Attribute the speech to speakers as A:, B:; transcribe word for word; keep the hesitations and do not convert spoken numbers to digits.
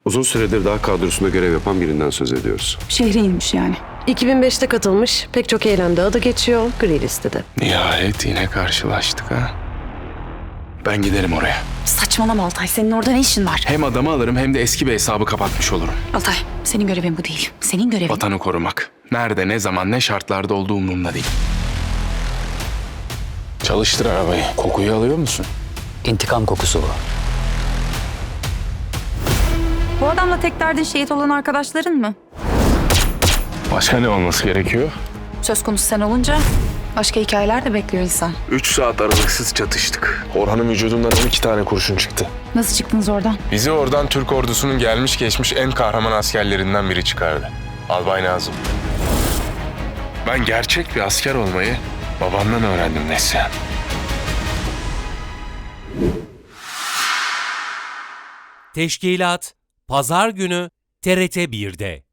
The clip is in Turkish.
A: Uzun süredir dağ kadrosunda görev yapan birinden söz ediyoruz.
B: Şehre inmiş yani.
C: iki bin beşte katılmış, pek çok eylemde adı geçiyor, gri listede.
D: Nihayet yine karşılaştık ha. Ben giderim oraya.
B: Saçmalama Altay. Senin orada ne işin var?
D: Hem adamı alırım hem de eski bir hesabı kapatmış olurum.
B: Altay, senin görevin bu değil. Senin görevin...
D: Vatanı korumak. Nerede, ne zaman, ne şartlarda olduğu umurumda değil. Çalıştır arabayı. Kokuyu alıyor musun?
E: İntikam kokusu bu.
B: Bu adamla tek derdin şehit olan arkadaşların mı?
D: Başka ne olması gerekiyor?
B: Söz konusu sen olunca başka hikayeler de bekliyor insan.
D: Üç saat aralıksız çatıştık. Orhan'ın vücudundan on iki tane kurşun çıktı.
B: Nasıl çıktınız oradan?
D: Bizi oradan Türk ordusunun gelmiş geçmiş en kahraman askerlerinden biri çıkardı. Albay Nazım. Ben gerçek bir asker olmayı babamdan öğrendim Neslihan.
F: Teşkilat Pazar günü T R T bir'de.